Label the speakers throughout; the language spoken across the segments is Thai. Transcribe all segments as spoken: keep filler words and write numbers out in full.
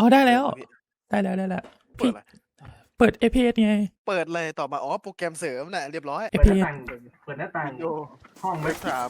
Speaker 1: อ๋อได้แล้วได้แล้วได้แล้วพี่เปิด เอ พี เอส ไง
Speaker 2: เปิดเลยต่อมาอ๋อโปรแกรมเสริมน่ะเรียบร้อย
Speaker 3: เปิดหน้าต่างเปิดหน้าต่างห้อง
Speaker 2: ไม่
Speaker 3: ไม่
Speaker 2: ครับ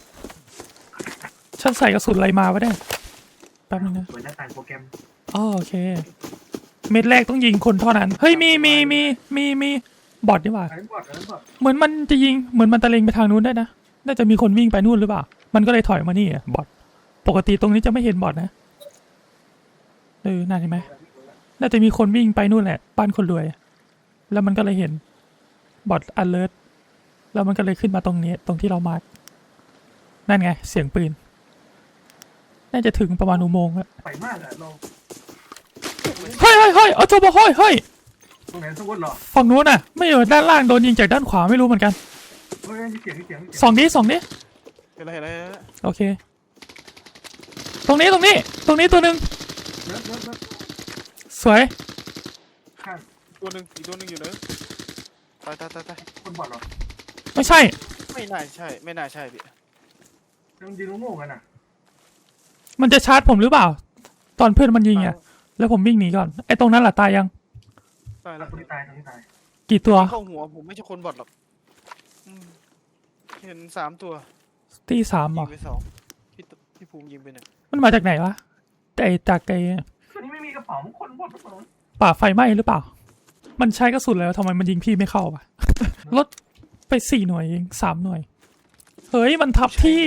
Speaker 1: ฉันใส่กระสุนอะไรมาวะเนี่ยแป๊บนึงนะ
Speaker 3: เปิดหน้าต่างโปรแกรม
Speaker 1: อ๋อโอเคเม็ดแรกต้องยิงคนเท่านั้นเฮ้ยมีมีมีมีมีบอทดีกว่า
Speaker 3: ไอ้บอดไอ้บอด
Speaker 1: เหมือนมันจะยิงเหมือนมันตะเลงไปทางนู้นได้นะน่าจะมีคนวิ่งไปนู่นหรือเปล่ามันก็เลยถอยมานี่อ่ะบอทปกติตรงนี้จะไม่เห็นบอทนะเออน่าเห็นไหมน่าจะมีคนวิ่งไปนู่นแหละบ้านคนรวยแล้วมันก็เลยเห็นบอทอเลิร์ตแล้วมันก็เลยขึ้นมาตรงนี้ตรงที่เรามาร์กนั่นไงเสียงปืนน่าจะถึงประมาณอุโมงค์แล้ว
Speaker 3: ไปมากอะเรา
Speaker 1: เฮ้ยเฮ้ยเฮ้ยเอาโจบเฮ้ยเฮ้ย
Speaker 3: ตรงไหนสมมติหรอ
Speaker 1: ฝั่งนู้นน่ะไม่เออด้านล่างโดนยิงจากด้านขวาไม่รู้เหมือนกัน
Speaker 3: เฮ้ยเสียงเสียง
Speaker 1: สองดิสองดิ
Speaker 2: เห็นอะไรเห็นอะไร
Speaker 1: โอเคตรงนี้ตรงนี้ตรงนี้ตัวหนึ่ง
Speaker 3: เลิศเลิศเลิศ
Speaker 1: สวย
Speaker 3: ข้าง
Speaker 2: ตัวหนึ่งอีกตัวหนึ่งอยู่เนอะตายตายตายตาย
Speaker 3: คนบอดหรอ
Speaker 1: ไม่ใช่
Speaker 2: ไม่น่าใช่ไม่น่าใช่พี่
Speaker 3: ยังยืนโง่กันอ่ะ
Speaker 1: มันจะชาร์จผมหรือเปล่า ตอนเพื่อนมันยิงอ่ะแล้วผมวิ่งหนีก่อนไอ้ตรงนั้นแหละตายยัง
Speaker 2: ตายแล้ว
Speaker 3: คนที่ตายคนที่ตาย
Speaker 1: กี่ตัว
Speaker 2: เข้าหัวผมไม่ใช่คนบอดหรอกอืมเห็นสามตัว
Speaker 1: ตีสามเหร
Speaker 2: ยิ
Speaker 1: อง
Speaker 2: ไปสองพี่ตพี่ภูมิยิงไปหนึ่ง
Speaker 1: มันมาจากไหนวะแต่ไอ้จากไอ้
Speaker 3: คนนี้ไม่มีกระเป๋าคนบอดทุกคน
Speaker 1: ป่าไฟไหม้หรือเปล่า มันใช้กระสุนแล้วทำไมมันยิงพี่ไม่เข้าวะ ลดไปสี่หน่วยเองสามหน่วยเฮ้ยมันทับที่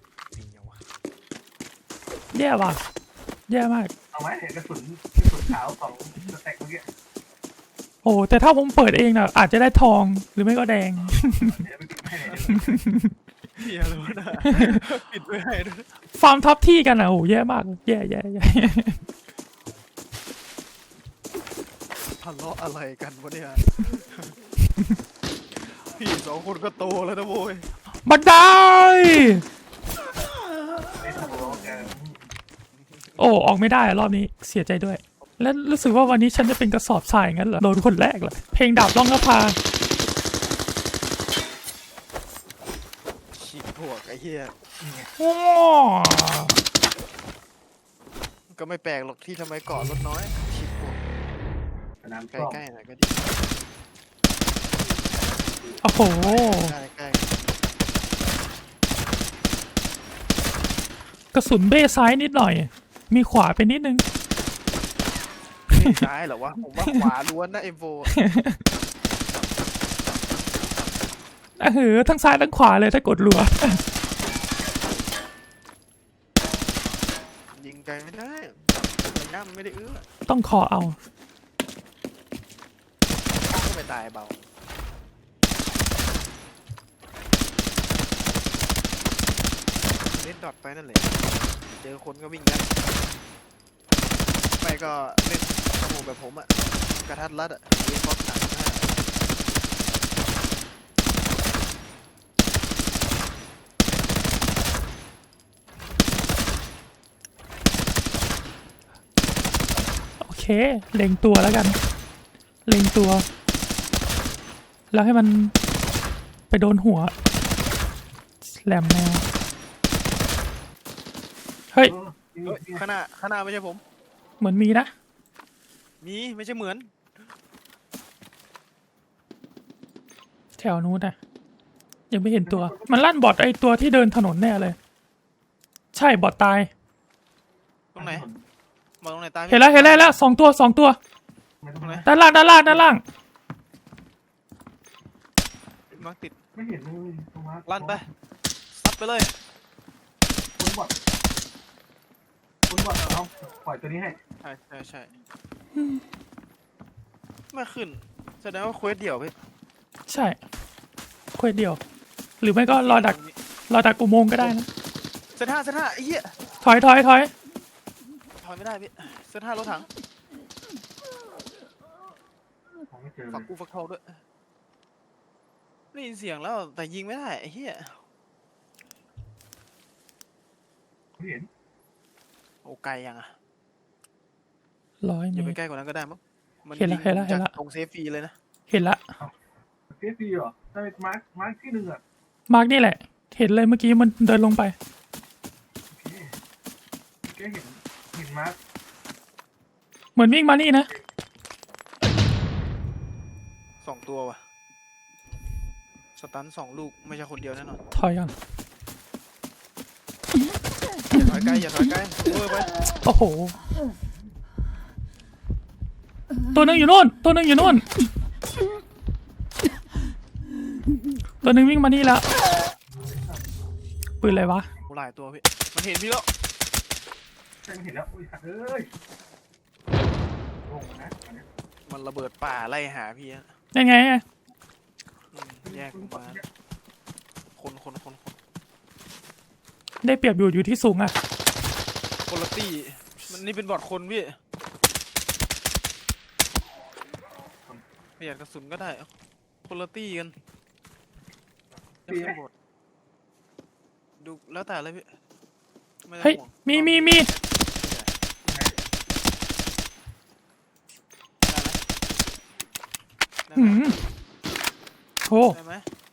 Speaker 1: แย่ว่ะแย่มาก
Speaker 3: เอาไว้กระสุนกระสุนขาวของสแต็กเมื่อกี้
Speaker 1: โอ้แต่ถ้าผมเปิดเองน่ะอาจจะได้ทองหรือไม่ก็แดง
Speaker 3: เดี๋ยวไปปิดให้เลย
Speaker 2: เฮียรู้นะปิดไว้ให้ด้วย
Speaker 1: ฟาร์มทับที่กันอ่ะโอ้แย่มากแย่แย่แย่
Speaker 2: ทะเลาะอะไรกันวะเนี่ยพี่สองคนก็โตแล้วนะโว้ย
Speaker 1: บันได
Speaker 3: ไม่ถูกหรอกแก
Speaker 1: โอ้ออกไม่ได้อะรอบนี้เสียใจด้วย และรู้สึกว่าวันนี้ฉันจะเป็นกระสอบทรายงั้นเหรอโดนคนแรกเลยเพลงดาบล่องนภา
Speaker 2: ฉีกพวกไอ้เหี้ย
Speaker 1: ว้า
Speaker 2: ก็ไม่แปลกหรอกที่ทำไมเกาะรถน้อยฉีกพวก
Speaker 3: สนาม
Speaker 2: ใก
Speaker 3: กล้อง
Speaker 2: ล้ๆหน่อยก็ดี
Speaker 1: โอ้โห
Speaker 2: ใกล้
Speaker 1: กระสุนเบ้ซ้ายนิดหน่อย มีขวาไปนิดนึง
Speaker 2: ๆไม่ซ้ายเหรอวะผมว่าขวาล้วนนะเอ็มโฟ
Speaker 1: อ่ะเหอทั้งซ้ายทั้งขวาเลยถ้ากดรัว
Speaker 2: ยิงไกลไม่ได้ระยะมันไม่ได้เอื้อ
Speaker 1: ต้องคอเอา
Speaker 2: ก็ไปตายเบาเล่นดอทไปนั่นแหละเจอคนก็วิ่งยัดไม่ก็เล่นสมุแบบผมอะกระทัดรัดอะเรียนบอลหนักมาก
Speaker 1: โอเค เล็งตัวแล้วกัน เล็งตัว แล้วให้มันไปโดนหัวแหลมแนวเฮ้ย
Speaker 2: เฮ้ยข้างหน้าข้างหน้าไม่ใช่ผม
Speaker 1: เหมือนมีนะ
Speaker 2: มีไม่ใช่เหมือน
Speaker 1: แถวนู้นนะยังไม่เห็นตัว มันลั่นบอทไอตัวที่เดินถนนแน่เลย ใช่บอทตาย
Speaker 2: ตรงไหนมาตรงไหนตายพี่
Speaker 1: เห็นแล้วเห็นแล้วเห็นแล้วสองตัวสองตัว
Speaker 2: ตรงไหน
Speaker 1: ด้านล่างด้านล่างด้านล่าง
Speaker 2: มาติด
Speaker 3: ไม่เห็นเลยตรงนั้น
Speaker 2: ลั่นไปซัดไปเลย
Speaker 3: คุณบอดคุณบอดเอาปล่อยตัวนี้ให้
Speaker 2: ใช่ใช่ใช่ไม่ขึ้นแสดงว่าเควสเดี่ยวพี่
Speaker 1: ใช่เควสเดียว หรือไม่ก็รอดักรอดักอุโมงค์ก็ได้นะ
Speaker 2: เซนห้าเซนห้าไอ้เหี้ย
Speaker 1: ถอยถอยถอย
Speaker 2: ถอยไม่ได้พี่เซนห้ารถถัง
Speaker 3: ผมไม่เจอเล
Speaker 2: ฝัก
Speaker 3: ย
Speaker 2: กูฝักทองด้วยได้ยินเสียงแล้วแต่ยิงไม่ได้ไอ้เหี้ย
Speaker 3: ไม่เห็น
Speaker 2: โอ้ไกลยังอะ
Speaker 1: ร้อย
Speaker 2: อย่า
Speaker 1: เม
Speaker 2: ไป
Speaker 1: ตร
Speaker 2: ใกล้กว่านั้นก็ได้มั้งมัน
Speaker 1: เห็นละ
Speaker 2: ยิง
Speaker 1: เห็นละเห็นละ
Speaker 2: จากตรงเซฟฟรีเลยนะ
Speaker 1: เห็นละ
Speaker 3: เฟสดีเหรอถ้าเป็นมาร์คมาร์คที่หนึ่งอ่ะ
Speaker 1: มาร์กนี่แหละ เห็นเลยเมื่อกี้มันเดินลงไป
Speaker 3: โอเคแกเห็นเห็นมาร์ค
Speaker 1: เหมือนวิ่งมานี่นะ
Speaker 2: สองตัวว่ะสตันสองลูกไม่ใช่คนเดียวแน่นอน
Speaker 1: ถอยก่อน
Speaker 2: อย่าถอยไกลอย่าถอยไกลเวอร์ไป
Speaker 1: โอ้โห ตัวหนึ่งอยู่นู่น ตัวหนึ่งอยู่นู่น ตัวหนึ่งวิ่งมานี่แล้วปืนอะไรวะ
Speaker 2: โหหลายตัวพี่มันเห็นพี่แล้ว
Speaker 3: ใช่ไม่เห็นแล้วอุ้ยสัตว์เอ้ยลงนะอันเนี้ย
Speaker 2: มันระเบิดป่าไล่หาพี่อะ
Speaker 1: ยังไงอะ
Speaker 2: อืมแยกออกมาคนคนคนคน
Speaker 1: ได้เปรียบอยู่อยู่ที่สูงอะ
Speaker 2: คนละตี้มันนี่เป็นบอดคนพี่ประหยัดกระสุนก็ได้คนละตี้กันจะเป็นบอดดูแล้วแต่เลยพี่ไม่ต้อง
Speaker 1: เฮ้ย
Speaker 2: ห่วง
Speaker 1: มีมีมี
Speaker 2: ได้
Speaker 1: หื
Speaker 2: ไหม
Speaker 1: มโอ้
Speaker 2: ได้ไหม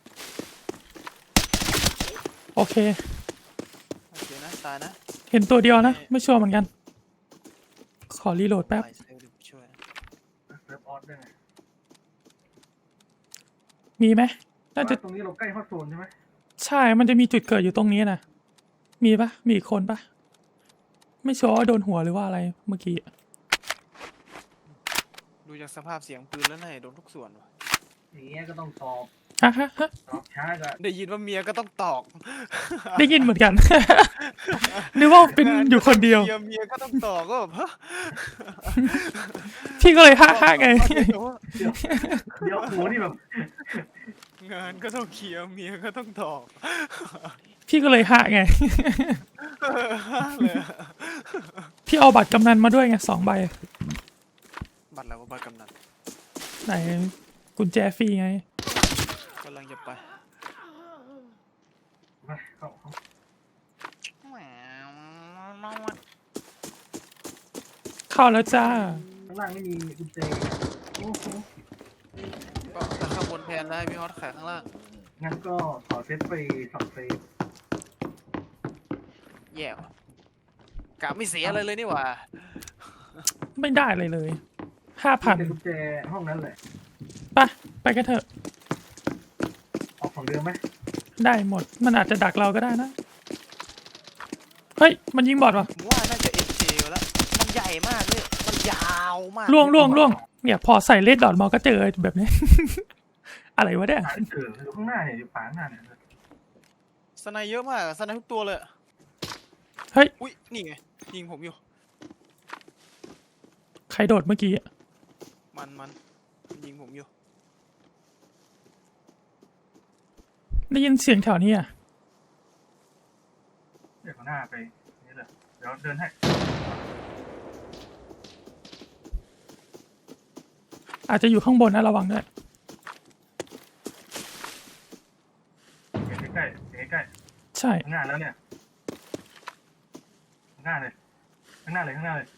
Speaker 1: โอเค
Speaker 2: โอเคนะตายนะ
Speaker 1: เห็นตัวเดียวนะ ไม่ชัวร์เหมือนกัน ขอรีโหลดแป๊บ
Speaker 2: ไปเซลล์ดิช่วย
Speaker 3: เซิร์ฟออสได้ไง
Speaker 1: มีไหมน่าจะ
Speaker 3: ตรงนี้เราใกล้ฮอตโซนใช่ไหม
Speaker 1: ใช่ มันจะมีจุดเกิดอยู่ตรงนี้นะมีปะมีอีกคนปะไม่ชัวร์ว่าโดนหัวหรือว่าอะไรเมื่อกี้
Speaker 2: ดูจากสภาพเสียงปืนแล้วน่าจะโดนทุกส่วนว่ะ
Speaker 3: อย่างเงี้ยก็ต้องสอบ
Speaker 1: ฮะฮะฮะ
Speaker 3: สอบช้าก็
Speaker 2: ได้ยินว่าเมียก็ต้องตอก
Speaker 1: ได้ยินเหมือน กัน นึกว่าเป็นอยู่คนเดียว
Speaker 2: เมียเมียก็ต้องตอกก็แบบฮะ
Speaker 1: พี่ก็เลยฮ่าฮ่าไง
Speaker 3: เดี๋ยวโหนี่แบบ
Speaker 2: งานก็ต้องเคลียร์เมียก็ต้องตอก
Speaker 1: พี่ก็เลยฮ่าไง
Speaker 2: เลยอะ
Speaker 1: พี่เอาบัตรกำนันมาด้วยไงสองใบ
Speaker 2: บัตรแล้วก็บัตรกำนัน
Speaker 1: ไหนกุญแจฟรีไง
Speaker 2: กำลังจะไป
Speaker 3: มาเข้าเข้า
Speaker 1: เข้าแล้วจ้า
Speaker 3: ข้างล่างไม่มีกุญแจโอ้โห
Speaker 2: ก็แต่ข้างบนแทนได้พี่ฮอตขายข้างล่าง
Speaker 3: งั้นก็ขอเซตไปสองเซต
Speaker 2: แย่ว่ะกะไม่เสียอะไรเลยนี่หว่า
Speaker 1: ไม่ได้เลยเลยห้าพัน
Speaker 3: แต่กุญแจห้องนั้นแหละ
Speaker 1: ไปไปกันเถอะ
Speaker 3: ออกของเดิมไหม
Speaker 1: ได้หมด มันอาจจะดักเราก็ได้นะ เฮ้ย มันยิงบอดว่ะ
Speaker 2: ผมว่าน่าจะเอ็นเจแล้ว มันใหญ่มากเลยมันยาวมาก
Speaker 1: ล่วงล่วงล่วงเนี่ยพอใส่เลดดอทมาก็เจอแบบนี้ อะไรวะเนี่ย
Speaker 3: ป่าเกิดอยู่ข้างหน้าเนี่ยอยู่ป่าข้างหน้าเนี่ย
Speaker 2: สไนเยอะมากสไนทุกตัวเลย
Speaker 1: เฮ้ย
Speaker 2: อุ้ยนี่ไงยิงผมอยู่
Speaker 1: ใครโดดเมื่อกี้
Speaker 2: มันมันยิงผมอยู่
Speaker 1: ได้ยินเสียงแถวนี้อ่ะ
Speaker 3: เดี๋ยวข้างหน้าไปนี่เลยเดี๋ยวเดินให้
Speaker 1: อาจจะอยู่ข้างบนนะระวังด้วย
Speaker 3: เห็นใกล้ๆเห็นใกล้
Speaker 1: ใช่
Speaker 3: ๆข้างหน้าแล้วเนี่ยข้างหน้าเลยข้างหน้าเลยข้างหน้าเลย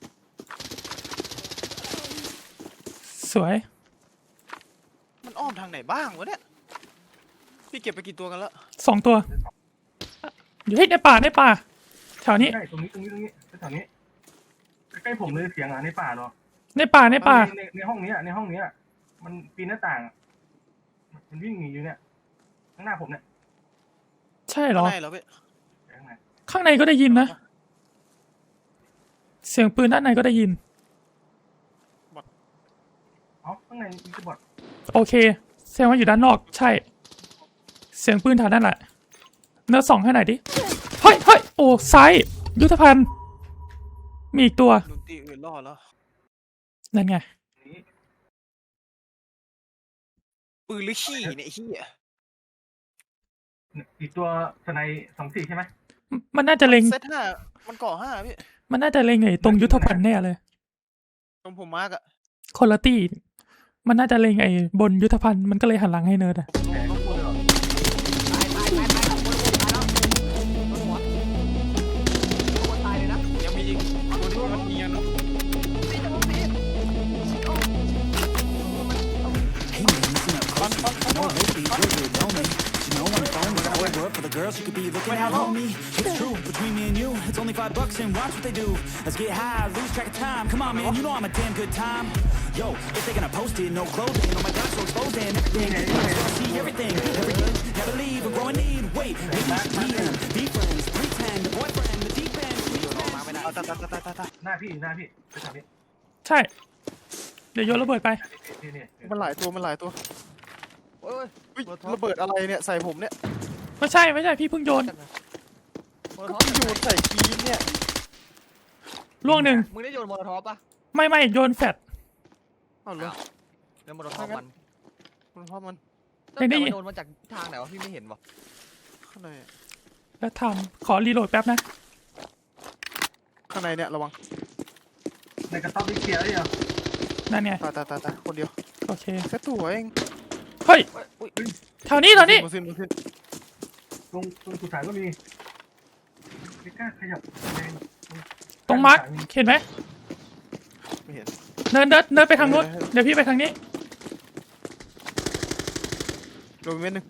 Speaker 1: สวย
Speaker 2: มันอ้อมทางไหนบ้างวะเนี่ยพี่เก็บไปกี่ตัวกันแล้ว
Speaker 1: สองตัว อยู่ให้ในป่าในป่า แถวนี้
Speaker 3: ใกล้ตรงนี้ตรงนี้ตรงนี้แถวนี้ใกล้ๆผมเลยเสียงอ่ะในป่าเนาะ
Speaker 1: ในป่าในป่า
Speaker 3: ในในห้องนี้ในห้องนี้มันปีนหน้าต่างมันวิ่งหนีอยู่เนี่ยข้างหน้าผมเนี่ย
Speaker 1: ใช่เหรอ
Speaker 2: ข้างในเหรอพี่
Speaker 3: ข้างใน
Speaker 1: ข้างในก็ได้ยินนะ เสียงปืนด้านในก็ได้ยิน
Speaker 3: อ๋อข้างในมีกระบอก
Speaker 1: โอเคแสดงว่าอยู่ด้านนอก ใช่ เสียงปืนแถวนั้นแหละ เนื้อสองให้หน่อยดิ เฮ้ยเฮ้ยโอ้ซ้ายยุทธภัณฑ์ มีอีกตัว
Speaker 2: ดนตรีอื่นรอดแล้ว
Speaker 1: นั่นไง
Speaker 3: นี้
Speaker 2: ปืนหรือขี้เนี่ยไอ้ขี้อ่ะ
Speaker 3: อีกตัวสไนสองสี่ใช่ไหม
Speaker 1: มันน่าจะเล็ง
Speaker 2: เซตห้ามันก่อห้าพี่
Speaker 1: มันน่าจะเล็งไอ้ตรงยุทธภัณฑ์แน่เลย
Speaker 2: ตรงผมมาร์กอะ
Speaker 1: คนละตี้มันน่าจะเล็งไอ้บนยุทธภัณฑ์มันก็เลยหันหลังให้เนิร์ดอะ
Speaker 3: แผลก็พูดเลยเหรอ
Speaker 2: ยังมีอีกตัวที่มันเนียนเนอะ
Speaker 4: Hey man, listen up, close. You know I hope these were good, know me. You know I'm phone, but I work up for the girls you could be looking at, homie. It's true, between me and you, it's only five bucks and watch what they do. Let's get high, lose track of time. Come on, man, you know I'm a damn good time. Yo, if they gonna post it, no clothing. Oh my God, so exposed and everything. See everything, everything. Never leave, a growing need. Wait, maybe meet them, be friends, pretend, the boyfriend, the deep end.
Speaker 2: ตายตายตายตายตายตาย
Speaker 3: หน้าพี่หน้าพี่ไปทางนี้
Speaker 1: ใช่ เดี๋ยวโยนระเบิดไป
Speaker 3: นี่นี่
Speaker 2: มันหลายตัวมันหลายตัว
Speaker 5: โอ้ย
Speaker 2: อุ๊ยระเบิดอะไรเนี่ยใส่ผมเนี่ย
Speaker 1: ไม่ใช่ไม่ใช่พี่เพิ่งโยน
Speaker 5: โมโล
Speaker 2: ก็
Speaker 5: ท็อป
Speaker 2: เพิ่งโยนใส่กีนเนี่ย
Speaker 1: ล่วงหนึ่ง
Speaker 5: มึงได้โยนโมโลท็อปปะ
Speaker 1: ไม่ไม่โยนแฟด
Speaker 2: อ้าวเหรอ
Speaker 5: แล้วโมโลท็อปมัน
Speaker 2: มันเพราะมัน
Speaker 1: ไม่ได้
Speaker 5: แต่มันโดนมาจากทางไหนวะพี่ไม่เห็นวะ
Speaker 2: ข้างในอะ
Speaker 1: แล้วทำขอรีโหลดแป๊บนะ
Speaker 2: ข้างในเนี่ยระวัง
Speaker 3: ในกระต๊อบนี่เคลียร์ได้ยัง
Speaker 1: นั่นไง
Speaker 2: ตายตายตายตายคนเดียว
Speaker 1: โอเค
Speaker 2: แค่ตัวเอง
Speaker 1: เฮ้ย
Speaker 5: เอ้ยอุ้ย
Speaker 1: แถวนี้แถวนี้
Speaker 2: มาขึ้นมาขึ้น
Speaker 3: ตรงตรงสุสานก็มีไม่กล้าขยับแรง
Speaker 1: ตรงมาร์คเห็นไหม
Speaker 2: ไม่เห็น
Speaker 1: เดินเดินเดินไปทางนู้นเดี๋ยวพี่ไปทางนี้
Speaker 2: โดนเม็ดหนึ่ง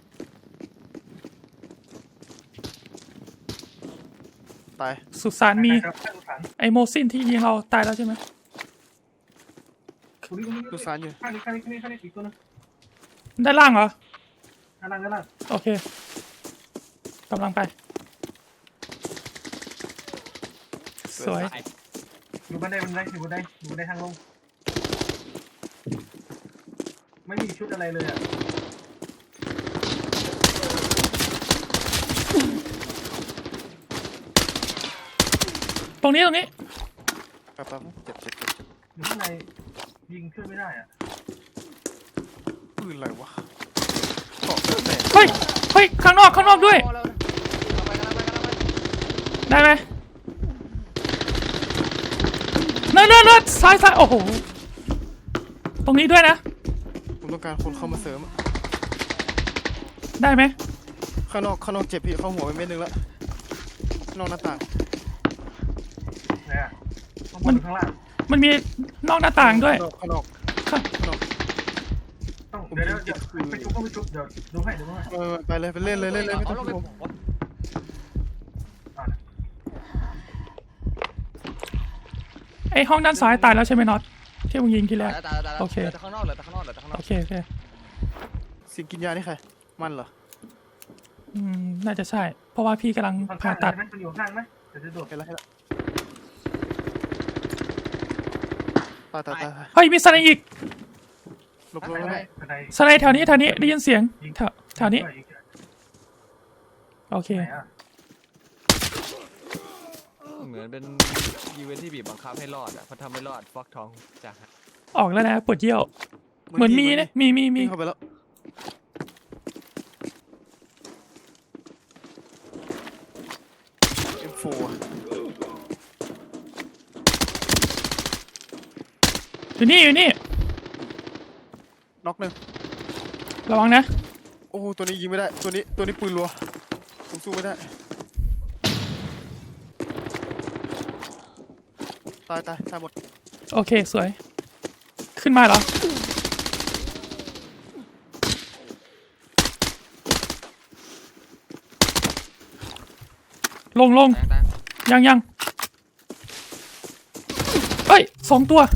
Speaker 2: ตาย
Speaker 1: สุสานมี
Speaker 3: ครับสุสาน
Speaker 1: ไอโมซินที่ยิงเราตายแล้วใช่ไหม
Speaker 3: ตรงนี้ตรงนี้
Speaker 2: ดูสารอยู่
Speaker 3: ข้างนี้ข้างนี้ข้างนี้ข้างนี้อีกตัวนึง
Speaker 1: ด้านล่างเหรอ
Speaker 3: ข้างล่างข้างล่าง
Speaker 1: โอเคกำลังไป สวย
Speaker 3: อยู่บันไดบันไดอยู่บันไดอยู่บันไดทางลงไม่มีชุดอะไรเลยอ่ะ
Speaker 1: ตรงนี้ตรงนี้
Speaker 2: แป๊บแป๊บเจ็บเจ็บเจ็บเจ็บ
Speaker 3: อยู่ข้างในยิงช่วยไม่ได้อ่ะ
Speaker 2: ปืนอะไรวะเกาะแตก
Speaker 1: เฮ้ยเฮ้ยข้างนอกข้างนอกด้วย
Speaker 5: โอ้แล้วเอาไปกันเอาไปกันเอาไป
Speaker 1: ได้ไหมเนินเนินเนินซ้ายซ้ายโอ้โหตรงนี้ด้วยนะ
Speaker 2: ผมต้องการคนเข้ามาเสริมอะ
Speaker 1: ได้ไหม
Speaker 2: ข้างนอกข้างนอกเจ็บพี่เข้าหัวไปเม็ดหนึงแล้วข้างนอกหน้าต่าง
Speaker 3: ไหนอ่ะข้างบนหรือข้างล่าง
Speaker 1: มันมีนอกหน้าต่างด้วย
Speaker 2: ข้างนอกข้างนอกข้างนอก
Speaker 3: ต้องเดี๋ยวเดี๋ยวเดี๋ยวไปชุบก็ไปชุบเดี๋ยวดูให้ดูให้
Speaker 2: เออไปเลยไปเล่นเลยเล่นเลยไม่ต้
Speaker 5: เอา
Speaker 2: อง
Speaker 5: ลง
Speaker 2: ห่
Speaker 5: ไป
Speaker 2: วง
Speaker 5: วะ
Speaker 3: อ่า
Speaker 1: ไอห้องด้านซ้ายตายแล้วใช่ไหมน็อตที่มึงยิงทีแรก
Speaker 5: ตายแล้วตายแล้วตายแล้ว
Speaker 1: โอเค
Speaker 5: เหลือแต่ข้างนอกเหลือแต่ข้างนอกเหลือแต่ข้างนอ
Speaker 1: โอก เคโอเค
Speaker 2: เสียงกินยานี่ใครมันเหรอ
Speaker 1: อืมน่าจะใช่ เพราะว่าพี่กำลัง
Speaker 3: ข้าง
Speaker 1: ผ่า
Speaker 3: ข้าง
Speaker 1: ตัด
Speaker 3: ใช่ไหมมันอยู่ข้างไหมเดี๋ยวจะโดด
Speaker 2: เห็นแล้วเห็นแล้วตายตายตายตาย
Speaker 1: เฮ้ยมีสไนด์อีก
Speaker 2: หลบหล
Speaker 3: บั
Speaker 2: บ
Speaker 3: น
Speaker 2: หล
Speaker 3: ได
Speaker 2: บ
Speaker 3: บันได
Speaker 1: สไนด์แถวนี้แถวนี้ได้ยินเสียงแถวแถวนี้
Speaker 3: ยิงด้วย
Speaker 1: โอเค
Speaker 3: ไหนอ่ะ
Speaker 5: เหมือนเป็นอีเวนท์ที่บีบบังคับให้รอดอ่ะพอทำไม่รอดฟอกทองจาก
Speaker 1: ออกแล้วนะปวดเยี่ยวเหมือนมีนะมีมีมี
Speaker 2: วิ่งเข้าไปแล้ว เอ็ม โฟร์
Speaker 1: อยู่นี่อยู่นี่
Speaker 2: น็อกหนึ่ง
Speaker 1: ระวังนะ
Speaker 2: โอ้โหตัวนี้ยิงไม่ได้ตัวนี้ตัวนี้ปืนรัวผมสู้ไม่ได้ตายตายตายหมด
Speaker 1: โอเคสวย ขึ้นมาเหรอลงลง
Speaker 5: แตงแตง
Speaker 1: ยังยังเอ้ยสองตัว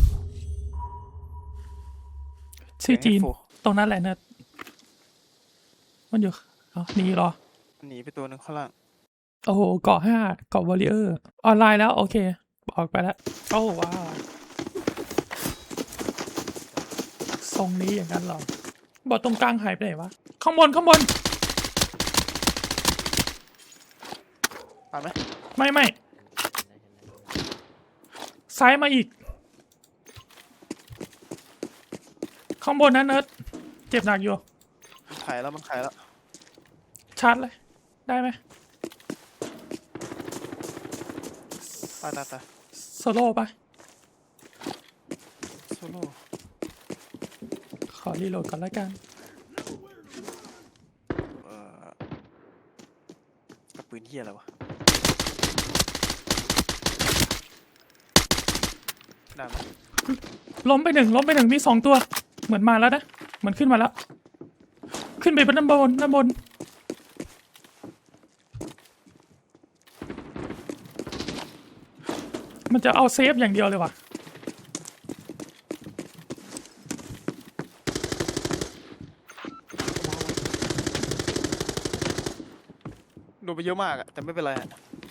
Speaker 1: ชื่อจีน
Speaker 2: เอ็ม โฟร์
Speaker 1: ตรงนั้นแหละเนอะมันอยู่อ๋อหนีเหรอ
Speaker 2: หนีไปตัวหนึ่งข้างล่าง
Speaker 1: โอ้โหเกาะห้าเกาะวอลเลเยอร์ออนไลน์แล้ว โอเค ออกไปแล้ว โอ้ว้าวทรงนี้อย่างนั้นเหรอบอดตรงกลางหายไปไหนวะ ข้างบน ข้างบน
Speaker 2: ตายไหม
Speaker 1: ไม่ไม่ซ้ายมาอีก ข้างบนนะเนิร์ดเจ็บหนักอยู่
Speaker 2: มันขายแล้วมันขายแล้ว
Speaker 1: ชาร์จเลย ได้ไหม
Speaker 2: ตายตายตาย
Speaker 1: โซโล่ปะ
Speaker 2: โซโล่
Speaker 1: ขอรีโหลดก่อนแล้วกัน
Speaker 2: เอ่อกับปืนเฮียอะไรวะได้ไหม
Speaker 1: ล้มไปหนึ่งล้มไปหนึ่งมีสองตัว เหมือนมาแล้วนะ เหมือนขึ้นมาแล้ว ขึ้นไปบนด้านบนด้านบนมันจะเอาเซฟอย่างเดียวเลยว่ะ
Speaker 2: โดนไปเยอะมากอะแต่ไม่เป็นไรอะ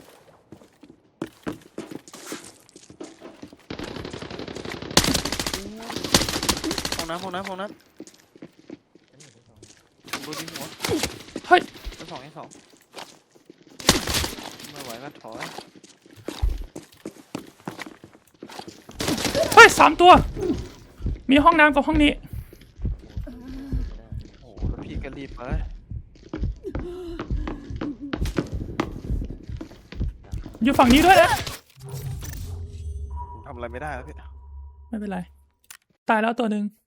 Speaker 2: ห้องน้ำห้องน้ำห้องน้ำผมโดนยิงหัว
Speaker 1: เฮ้ย
Speaker 2: ชั้นสองชั้นสองไม่ไหวก็ถอย
Speaker 1: เฮ้ยสามตัว มีห้องน้ำกับห้องนี้
Speaker 2: โอ้โหแล้วพี่ก็รีบไป
Speaker 1: อยู่ฝั่งนี้ด้วยนะ
Speaker 2: ทำอะไรไม่ได้แล้วพี่
Speaker 1: ไม่เป็นไร ตายแล้วตัวหนึ่ง